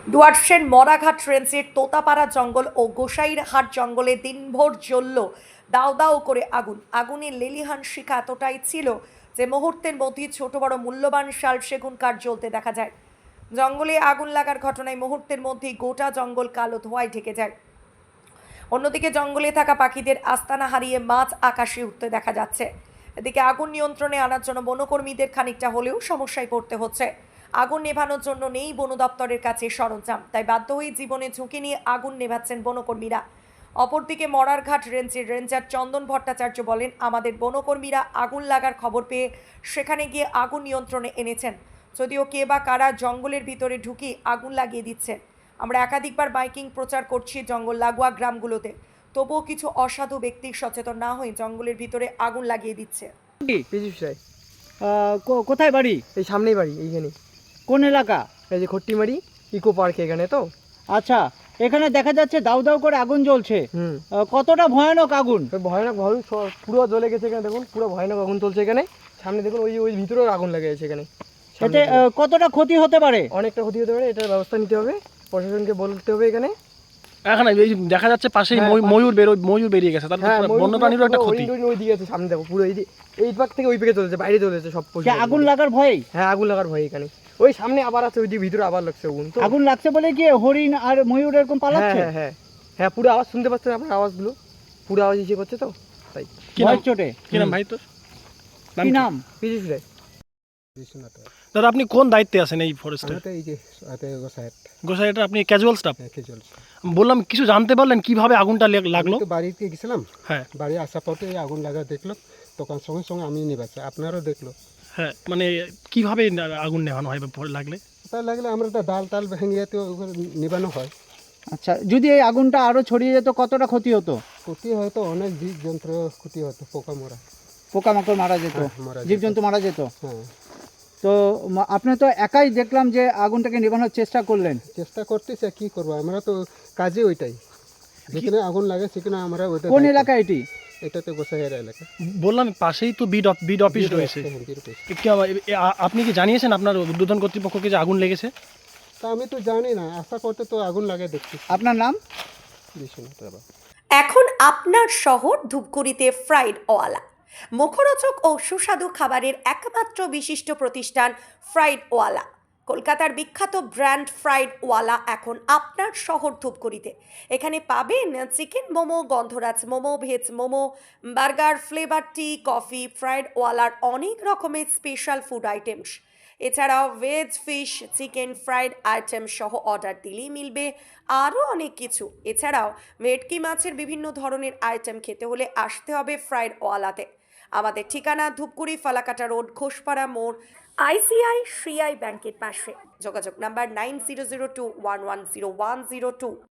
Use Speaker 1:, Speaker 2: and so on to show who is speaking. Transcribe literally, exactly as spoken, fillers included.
Speaker 1: ডুয়ার্সের মরাঘাট রেঞ্জের তোতাপাড়া জঙ্গল ও গোসাইরহাট জঙ্গলে দিনভর জ্বলল দাউ দাউ করে আগুন। আগুনের লেলিহান শিখা এতটাই ছিল যে মুহূর্তের মধ্যেই ছোট বড় মূল্যবান শাল সেগুন কাঠ জ্বলতে দেখা যায়। জঙ্গলে আগুন লাগার ঘটনায় মুহূর্তের মধ্যেই গোটা জঙ্গল কালো ধোঁয়ায় ঢেকে যায়। অন্যদিকে জঙ্গলে থাকা পাখিদের আস্তানা হারিয়ে মাছ আকাশে উঠতে দেখা যাচ্ছে। এদিকে আগুন নিয়ন্ত্রণে আনার জন্য বনকর্মীদের খানিকটা হলেও সমস্যায় পড়তে হচ্ছে। আগুন নেভানোর জন্য নেই বন দপ্তরের কাছে সরঞ্জাম, তাই বাধ্য হয়ে জীবনে ঝুঁকি নিয়ে আগুন নেভাচ্ছেন বনকর্মীরা। অপরদিকে মরারঘাট রেঞ্জের রেঞ্জার চন্দন ভট্টাচার্য বলেন, আমাদের বনকর্মীরা আগুন লাগার খবর পেয়ে সেখানে গিয়ে আগুন নিয়ন্ত্রণে এনেছেন। যদিও কে বা কারা জঙ্গলের ভিতরে ঢুকে আগুন লাগিয়ে দিচ্ছে। আমরা একাধিকবার বাইকিং প্রচার করছি জঙ্গল লাগোয়া গ্রামগুলোতে, তবুও কিছু অসাধু ব্যক্তি সচেতন না হয়ে জঙ্গলের ভিতরে আগুন লাগিয়ে দিচ্ছে।
Speaker 2: পীযূষ রায়।
Speaker 3: আহ, কো- কোথায় বাড়ি?
Speaker 2: এই সামনেই বাড়ি, এইখানে।
Speaker 3: কোন এলাকা?
Speaker 2: এই যে খট্টিমারি ইকো পার্ক এখানে তো।
Speaker 3: আচ্ছা, এখানে দেখা যাচ্ছে দাউ দাউ করে আগুন জ্বলছে।
Speaker 2: হুম
Speaker 3: আহ, কতটা ভয়ানক আগুন?
Speaker 2: তো ভয়ানক ভাবে স- পুরো জ্বলে গেছে এখানে, দেখুন পুরো ভয়ানক আগুন চলছে এখানে। সামনে দেখুন, ওই ওই ভিতরেও আগুন লেগে গেছে এখানে। সামনে
Speaker 3: এতে
Speaker 2: দেখুন।
Speaker 3: আহ, কতটা ক্ষতি হতে পারে?
Speaker 2: অনেকটা ক্ষতি হতে পারে, এটার ব্যবস্থা নিতে হবে, প্রশাসনকে বলতে হবে এখানে।
Speaker 4: এখানে এই যে দেখা যাচ্ছে পাশেই
Speaker 2: হ্যাঁ,
Speaker 4: ময়ূর-
Speaker 2: পাশে-
Speaker 4: ময়ূর বেরো ময়ূর বেরিয়ে গেছে, তাহলে
Speaker 2: হ্যাঁ,
Speaker 4: তো
Speaker 2: ময়ূরগুলো
Speaker 4: বন্যপ্রাণীরও একটা
Speaker 2: পুরো
Speaker 4: ক্ষতি।
Speaker 2: ওই- ওই- ওই দিকে আছে, সামনে দেখো পুরো এই যে- এই পাক থেকে ওই পাকে চলেছে, বাইরে চলেছে সব পশু
Speaker 3: যে
Speaker 2: পাখি।
Speaker 3: আগুন লাগার ভয়ে?
Speaker 2: হ্যাঁ, আগুন লাগার ভয় এখানে। ওই সামনে আবার আছে, ওই দিকে ভিতরে আবার লাগছে আগুন তো।
Speaker 3: আগুন লাগছে বলে কি হরিণ আর ময়ূর এরকম
Speaker 2: হ্যাঁ
Speaker 3: পালাচ্ছে?
Speaker 2: হ্যাঁ হ্যাঁ হ্যাঁ, পুরো আওয়াজ শুনতে পাচ্ছেন আপনার, আওয়াজগুলো পুরো আওয়াজ ইসে করছে তো, তাই।
Speaker 4: কি নাম?
Speaker 3: ভয়ের চোটে?
Speaker 4: কি নাম ভাই তোর?
Speaker 3: কি নাম?
Speaker 2: পীযূষ রায়।
Speaker 4: দাদা, আপনি কোন দায়িত্বে আছেন এই ফরেস্টের?
Speaker 5: এই যে হাতে গোসাইট
Speaker 4: গোসাইটা আপনি ক্যাজুয়াল স্টাফ?
Speaker 5: রেখে চলছে।
Speaker 4: বললাম, কিছু জানতে পারলেন কিভাবে আগুনটা লে- লাগলো?
Speaker 5: আমি তো বাড়িতে গেছিলাম,
Speaker 4: হ্যাঁ
Speaker 5: বাড়ি আসার পথে এই আগুন লাগা দেখলো, তখন সঙ্গে সঙ্গে আমি নিবাচ্ছি, আপনারও দেখলো।
Speaker 4: হ্যাঁ, মানে কিভাবে না- আগুন নেভানো হয় বা পরে লাগলে?
Speaker 5: তার লাগলে আমরা একটা ডাল টাল ভেঙে তো ওখানে নিবানো হয়।
Speaker 3: আচ্ছা, যদি এই আগুনটা আরো ছড়িয়ে যেত কতটা ক্ষতি হতো?
Speaker 5: ক্ষতি হয়তো অনেক জীব যন্ত্র ক্ষতি হতো, পোকা মরা।
Speaker 3: পোকামাকড় মারা যেত,
Speaker 5: হ্যাঁ, মারা যেত।
Speaker 3: জীবজন্তু মারা যেত।
Speaker 5: হ্যাঁ,
Speaker 3: তো মা- আপনি তো একাই দেখলাম যে আগুনটাকে নেভানোর চেষ্টা করলেন।
Speaker 5: চেষ্টা করতেছে, কি করবো, আমরা তো কাজে ওইটাই, যেখানে আগুন লাগে সেখানে আমরা ওইটা।
Speaker 3: কোন এলাকা এটি?
Speaker 5: এটা তো গোসাইয়ের এলাকা।
Speaker 4: বললাম, পাশেই তো বিড অফ- বিড অফিস রয়েছে।
Speaker 5: হ্যাঁ, বিরূপ।
Speaker 4: কি আবার- এ- আ- আপনি কি জানিয়েছেন আপনার উদ্বোধন কর্তৃপক্ষকে যে আগুন লেগেছে?
Speaker 5: তা আমি তো জানি না, আশা করতে তো আগুন লাগে দেখছি।
Speaker 3: আপনার নাম?
Speaker 5: বিশ্বনাথ বাবা।
Speaker 1: এখন আপনার শহর ধূপগুড়িতে ফ্রাইড ওয়ালা, মুখরোচক ও সুস্বাদু খাবারের একমাত্র বিশিষ্ট প্রতিষ্ঠান ফ্রাইড ওয়ালা। কলকাতার বিখ্যাত ব্র্যান্ড ফ্রাইড ওয়ালা এখন আপনার শহর ধূপগুড়িতে। এখানে পাবেন chicken momo, gondhoraj momo, veg momo, burger, flavour tea, coffee, fried ওয়ালার অনেক রকমের স্পেশাল ফুড আইটেমস। এছাড়াও veg, fish, chicken, fried item সহ অর্ডার দিলেই মিলবে আরও অনেক কিছু। এছাড়াও ভেটকি মাছের বিভিন্ন ধরনের আইটেম খেতে হলে আসতে হবে ফ্রাইড ওয়ালাতে। আমাদের ঠিকানা ধূপগুড়ি ফালাকাটা রোড, ঘোষপাড়া মোড়, আইসিআই শ্রীআই ব্যাংকের পাশে। যোগাযোগ number nine zero zero two one one zero one zero two.